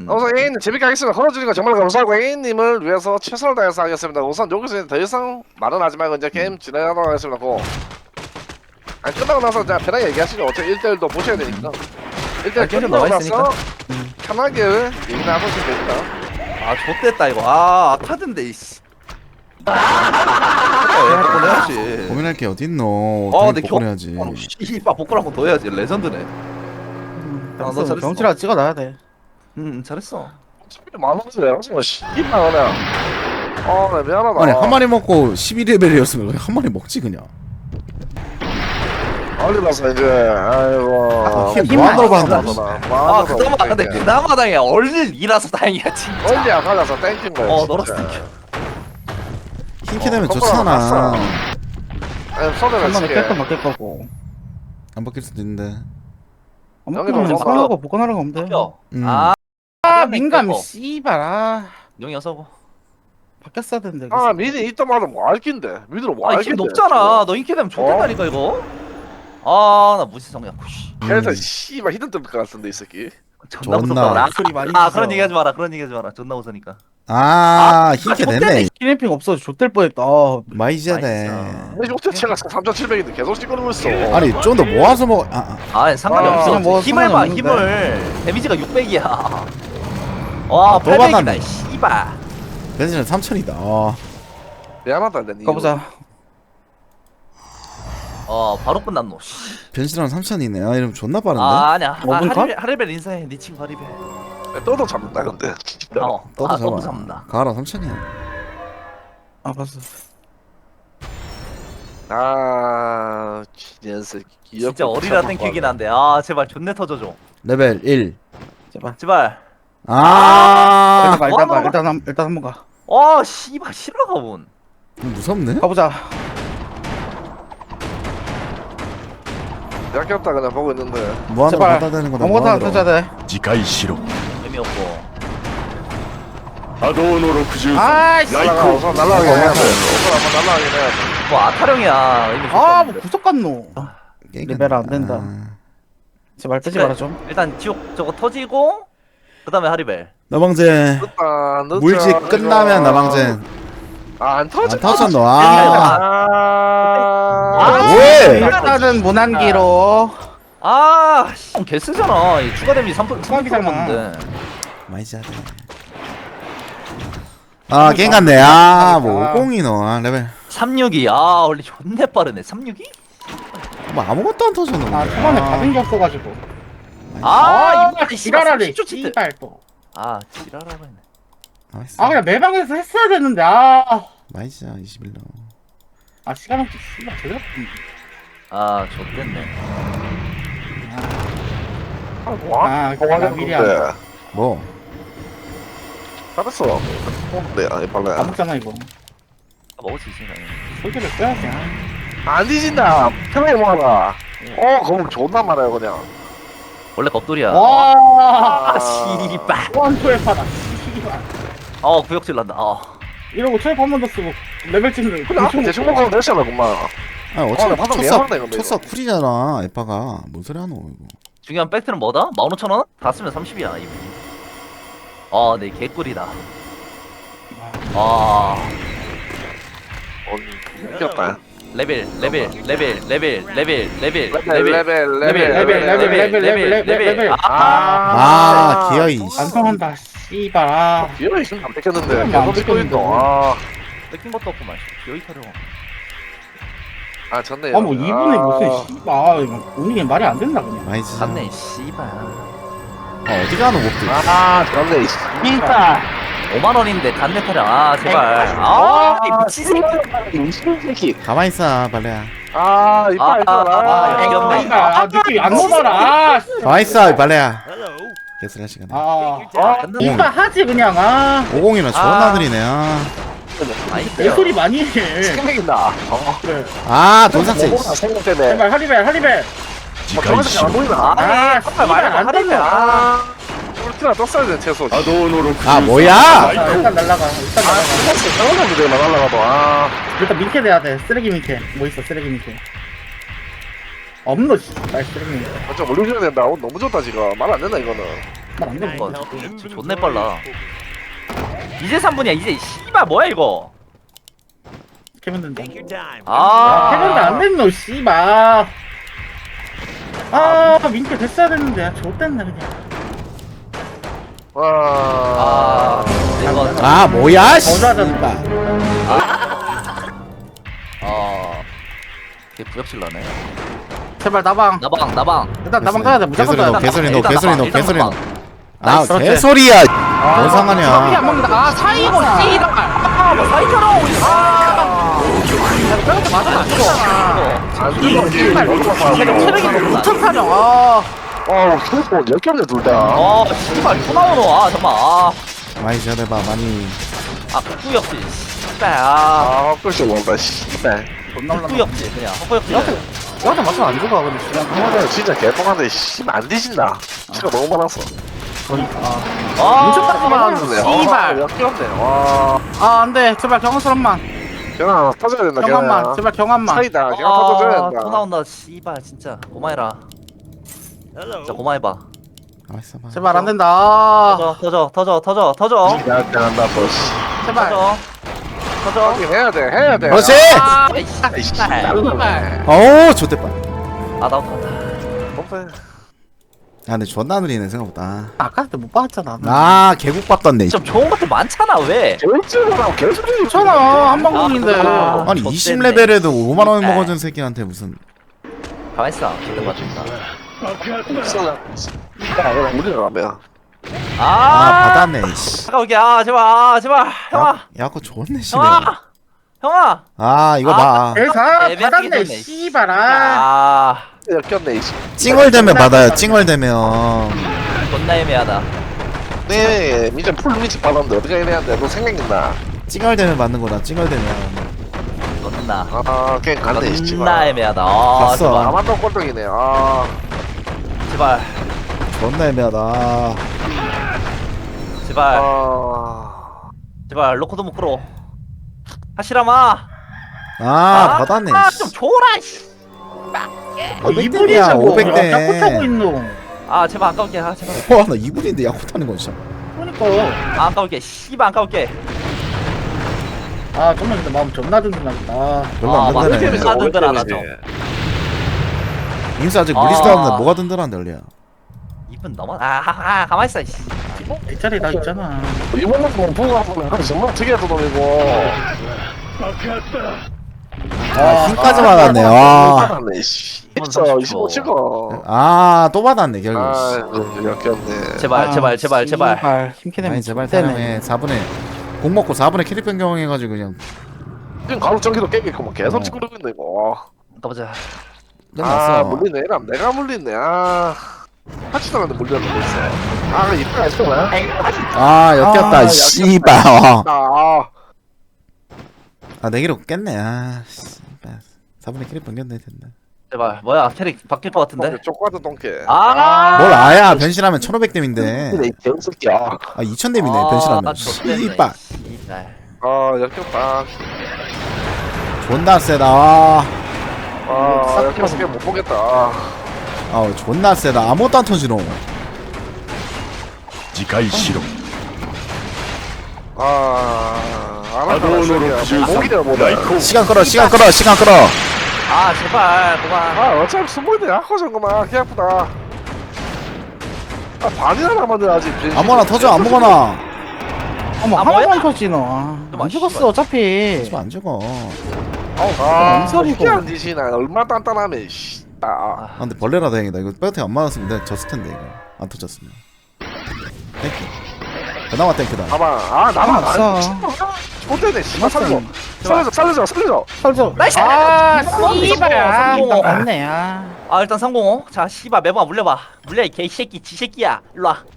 우선 A님 재밌게 하겠습니다. 걸어주니까 정말 감사하고 A님을 위해서 최선을 다해서 하겠습니다. 우선 여기서 더 이상 말은 하지 말고 이제 게임 진행하도록 하겠습니다. 고. 아니 끝나고 나서 그냥 편하게 얘기하시죠. 어차피 1대1도 보셔야 되니까. 1대1 게임 끝나고 나와 나서 편하게 얘기 나누시면 됩니다. 아 좆됐다 이거. 아 아카드인데 이씨. 복권 해야지. 고민할 게 어딨노. 아 당연히 근데 복권해야지. 씨발 복권 한번 더 해야지. 레전드네. 너 잘했어. 경치라 찍어놔야 돼. 잘했어. 어차피 만원이래. 지금 10만 원이야. 나 미안하다. 아니 한 마리 먹고 12레벨이었으면 한 마리 먹지 그냥. 얼리라서 이제 아이고. 힘 뭐하러 받는다. 아 그나마 근데 그나마 다행이야. 얼릴이라서 다행이야 진짜. 얼리야 가져서 땡긴 거야. 너라서 땡겨. 흰캐 되면 거꾸로 좋잖아. 갔어. 손을 한 번에 치게. 뺄거 맡길 거고. 안 바뀔 수도 있는데. 안 여기 먹으면 넣어서 사하고 복권하러 가면 돼. 아 민감 씨발. 용이 어서고. 바뀌었어야 되는데. 미리 있던 말은 뭐 알긴데. 미드로 뭐 아 알긴데. 이게 높잖아. 너 인기 되면 좋겠다니까 이거. 아 나 무시성이야. 그래서 씨발 히든 뜰 것 같은데 이 새끼. 존나 존나. 무섭다. 소리 많이 아 주세요. 그런 얘기 하지 마라. 그런 얘기 하지 마라. 존나 웃으니까. 흰캐 되네. 키네핑 없어서 좆될 뻔했다. 많이 져야 돼. 근데 요새 제가 3,700인데 계속 찍어놓고 있어. 아니 좀 더 모아서 먹어. 아 상관이 아, 없어. 그냥 뭐 힘을 봐 상관이 힘을. 데미지가 600이야. 와 또 800이다 받았네. 씨발. 벤진은 3천이다. 미안하다 내 가보자. 바로 끝났노. 변신랑 3천이네. 아 이러면 존나 빠른데. 아니야. 먹은 컷? 하리벨 인사해. 네 친구 하리벨. 또도 잡는다 근데. 떠도 또도 잡아. 잡는다. 가라 3천이야. 아 봤어. 녀석 진짜 어리라 땡큐긴 한데. 아 제발 존내 터져줘. 레벨 1. 제발. 아. 일단 뭐 가. 일단 한번 가. 씨발 실화가 본. 무섭네. 가보자. 약겼다 그냥 보고 있는데. 무한으로 제발. 갖다 대는 거다. 아무것도 안 무한으로. 터져야 돼. 次回しろ 의미 없고. 波動の63 아이씨. 날라가 우선 날라가게 해야 돼. 우선 한번 날라가게 해야 돼. 뭐 아타령이야. 의미 아, 좋다. 뭐 구석 같노. 레벨 안 된다. 아. 제발 뜨지 마라 좀. 일단 지옥 저거 터지고 그다음에 하리벨. 나방제. 늦다. 물질 끝나면 나방제. 안 터져. 안 터졌노. 왜? 일단은 무난기로. 개 쓰잖아. 이 추가 데미지 3% 추가기잖아. 먹는데. 많이 져야 돼. 게임 같네. 뭐 50이노. 레벨. 362. 원래 존내 빠르네. 362? 뭐 아무것도 안 터졌노. 초반에 받은 게 없어가지고. 이빨 지랄하네. 30초 치트. 씨발 또. 지랄하고 했네. 나이스. 그냥 매방에서 했어야 되는데. 많이 져 21로. 시간 없지. 씨발 제대로. 좆됐네. 미리 안. 뭐? 잘했어. 네, 빨래. 안 먹잖아 이거. 먹을 수 있으니까. 소개를 써야지. 안 뒤진다. 편하게 모아라. 그럼 존나 말아요 그냥. 원래 겁돌이야. 와. 씨발. 원투에 파다. 씨발. 구역질 난다. 이러고 초에 한 번 더 쓰고 레벨 찍는. 근데 앞에 대충 먹으면 되잖아 그만. 아니 어차피 방금 첫사 미안하네, 근데 첫사 쿨이잖아. 에빠가 뭔 소리 하노 이거. 중요한 팩트는 뭐다? 15,000원? 다 쓰면 30이야 이미. 네 개꿀이다. 이겼다. 레벨. 기어이. 안 통한다. 씨발. 기어이 있으면 안 뺏겼는데. 안 계속 찍고 뺏겼는데. 있노. 뺏긴 것도 없구만. 기어이 타령. 졌네요. 뭐 2분에 무슨 씨발. 이거 운이 말이 안 된다 그냥. 많이 져. 갔네 씨발. 어디 가노 목들. 졌네. 씨발. 5만원인데 간내 타령. 제발. 이 미친 새끼. 새끼. 가만히 있어 발레야. 이빨 있어라. 이겼네. 씨발. 느낌 안 넘어라. 가만히 있어 발레야. 개소리 할 시간에. 이빨 하지 그냥. 50이면 존나 느리네. 내 소리 많이 해. 생각인다. 그래. 돈삭제. 생각 때문에. 제발 하리벨. 次回し 안 ろ 보이나? 씨발 안 되네. 울트라 떴어야 돼 최소. 波動の63 뭐야? 일단 날라가. 잘못하면 돼 날라가도. 일단 민캐 돼야 돼. 쓰레기 민캐. 뭐 있어 쓰레기 민캐. 없노 씨발 쓰레기 민캐. 좀 올려줘야 된다. 너무 좋다 지금. 말 안 된다 이거는. 말안 돼. 이거 지금 존내 빨라. 이제 3분이야 이제 씨발 뭐야 이거. 캐면 된다. 아 캐면도 안 됐노 씨발. 아 민폐 됐어야 됐는데 아 좆됐네 그냥. 와. 이거 아 뭐야 거자잖아. 씨발. 걔 부역질러네. 제발 나방. 나방. 일단 나방 가야 돼. 무조건 개소리 가야 넣어 돼. 개소리 넣어 일단 개소리 넣어 일단 개소리 나방. 넣어. 아 그렇지. 개소리야. 뭔 피안 상관이야. 먹는다. 아 사이고 씨발. 아뭐 사이처럼 그렇게 맞아 안 죽어. 씨발 체력이 높구나. 무척 사령. 아. 휴대폰 10개인데 둘 다. 씨발 또 나오노. 잠깐만. 많이 전해봐 많이. 헛구역질. 씨발 글씨 모른다, 씨발. 존나 올라. 헛구역질 그냥 헛구역질. 너한테 맞춰 안 죽어 근데 씨발. 형은 진짜 개똥한데, 씨발, 안 뒤진다. 치가 너무 많았어. 그러니까. 아 씨발. 역겹네. 와. 아 안돼 제발 경험스럽만. 경아, 터져야 된다, 경험만 경아. 제발 경험만. 차이다, 경아 터져야 된다. 또 나온다. 씨발 진짜 고마해라. 진짜 고마해봐. 알았어 봐. 제발 안 된다. 터져. 야, 대한다, 뭐, 씨. 제발. 터져. 하긴 해야 돼. 그렇지. 아 아이씨, 씨발. 나르네. 어우 좋댔다. 나온다. 아 근데 존나 느리네 생각보다. 아까 그때 못 봤잖아. 아 개국밥 떴네. 좀 좋은 것들 많잖아 왜? 개울증이랑 개소리 괜찮아 한방공인데. 아, 아니 좆됐네. 20레벨에도 5만원 네. 먹어준 새끼한테 무슨. 가만있어. 기대 맞춘다. 우리가 가면. 아 받았네 씨. 잠깐 올게. 제발. 형아. 야 그거 좋네 씨네. 형아. 아 이거 봐. 대사 애매하게 받았네 됐네. 씨발아. 역겹네, 이씨. 찡얼대면 받아요 찡얼대면. 존나 애매하다. 네, 이제 풀미직 받았는데 어떻게 해야 돼? 너 생각나? 찡얼대면 받는 거다 찡얼대면. 존나. 그냥 간대, 씨. 존나 애매하다. 봤어. 아마도 꼴등이네. 제발. 존나 애매하다. 제발. 제발. 로코도 못 끌어. 하시라마. 받았네 좀 줘라. 씨. 어, 500대야 500대. 자꾸 타고 있노. 제발 아까울게. 제발. 와나 2분인데 야구 타는 거 진짜. 그러니까. 아까울게. 씨발 아까울게. 아 정말 근데 마음 존나 든든하겠다. 별로 안 맞네. 든든해. 아, 든든하다, 좀. 임수 아직 물리스도 없는데 뭐가 든든한데 원래야. 2분 넘어. 가만있어. 씨. 뒷자리 나 있잖아. 이번만 보면 보고 하면 정말 특이한 놈이고. 힘까지 받았네. 와. 받았네, 씨. 25 찍어. 또 받았네 결국. 역겹네. 제발. 힘캐내면 아니 제발 사람에 4분에 공 먹고 4분에 캐릭 변경해가지고 그냥 지금 가로 전기도 깨겠고 뭐 계속 찍고 있네 이거. 가보자. 끝났어. 물리네. 내가 물리네. 하치도 않는데 물렸는데 있어. 이따가 했어 뭐야? 역겹다 씨발. 나. 내기로 깼네. 씨발 4분에 캐릭 변경돼야 된다. 제발. 뭐야 캐릭 바뀔 것 같은데? 쪼꼬아도 똥개. 뭘 아야 변신하면 1500댐인데. 근데 이 개새끼야. 2000댐이네 변신하면. 씨발 역겹다. 존나 세다. 역겹게 못 보겠다. 존나 세다. 아무것도 안 터지노. 次回しろ 목이라 뭐다. 시간 끌어. 제발 그만. 어차피 스몰드 약화전 거만 개 아프다. 반이나 남았네 아직. 아무거나 터져 아무거나. 어머 뭐야? 하나만 터지노. 안 좀 죽었어 어차피. 지금 안 죽어. 뭔 소리고. 희한한 짓이나 얼마나 단단하면 씨. 근데 벌레라 다행이다. 이거 백어택 안 맞았으면 내가 졌을 텐데 이거 안 터졌으면. 땡큐. 그나마 땡큐다. 봐봐. 나만 없어. 못되네. 씨발 살려줘. 설정. 나이스! 씨발. 성공. 맞네. 일단 성공. 자 씨발 매번 물려봐. 물려 이 개새끼 지새끼야. 일로 와.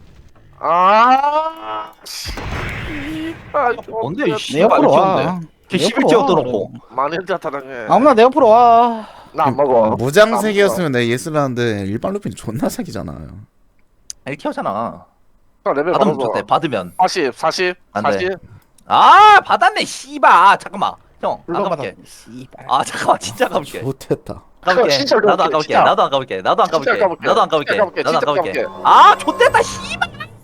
뭔데 이 내 씨발 옆으로 이렇게 와. 없네. 개 내 씨발 옆으로 와. 뛰어들어놓고. 많이 혼자 타당해. 아무나 내 옆으로 와. 나 안 먹어. 무장색이었으면 내가 예스를 하는데 일반 루핀 존나 사기잖아. 이렇게 하잖아. 레벨 받으면 받아서. 좋대. 받으면. 40. 안 돼. 받았네 씨발. 잠깐만. 형 물론 아까볼게. 받아. 씨발. 잠깐만 진짜 가볼게. 못했다. 가볼게. 진짜 나도 가볼게, 안 가볼게. 진짜. 나도 안 가볼게. 나도 안 진짜 가볼게. 가볼게. 나도 안 가볼게. 진짜 가볼게. 나도 안 진짜 가볼게. 가볼게. 좋댔다 씨발.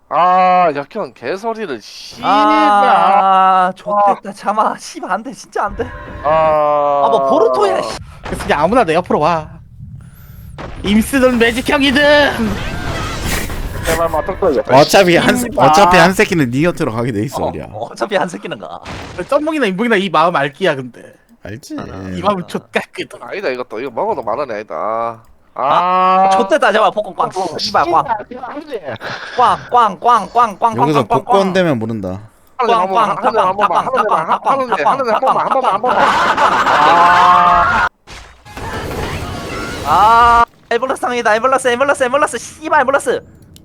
아 역현 개소리를 씨발. 아 좋됐다 참아 씨발 안돼 진짜 안돼 아뭐 보르토야 씨. 그래서 그냥 아무나 내 옆으로 와. 임스든 매직 형이든. 제발 맞닥뜨려. 어차피 한 새끼는 니 곁으로 가게 돼 있어 우리야. 어차피 안 새끼는 가 썸몽이나 인봉이나 이 마음 알기야 근데. 알지? 이 마음 좆같거든. 아니다 이것도 이거 먹어도 많은 애다. 아 좋됐다 제발 폭권 꽝 씨발 꽝꽝꽝꽝꽝꽝꽝 여기서 복권 되면 모른다. 한 번만 아 에볼러스 상이다 에볼러스 씨발 에볼러스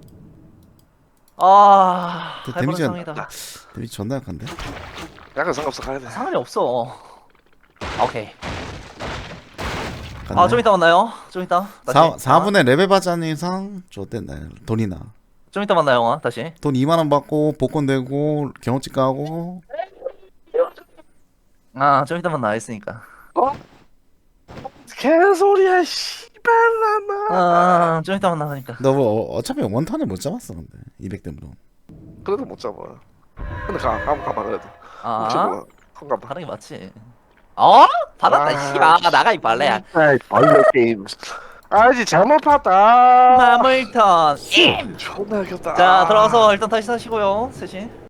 아 그 에볼러스 데미지가- 상이다 데미지 존나 약한데? 약간 상관없어 가야 돼. 상관이 없어 오케이 갔네. 아 좀 이따 만나요 좀 이따 다시 4분의 레벨 바자는 이상 좋댔나 돈이나 좀 이따 만나요 영화 다시 돈 2만원 받고 복권 되고 경험치 까고 아 좀 이따 만나 했으니까 개소리야 씨발라마. 좀 이따 만나니까 너 뭐 어차피 원탄을 못 잡았어 근데 200댐으로 그래도 못 잡아. 근데 한번 가봐 그래도. 혹시 아 몰라. 한번 가봐. 하는 게 맞지 어? 받았다 아, 씨발 나가 이 발레야 아이 벌레 게임. 아이지 잘못 봤다. 마물턴 존나 귀엽다. 자 들어가서 일단 다시 사시고요 셋이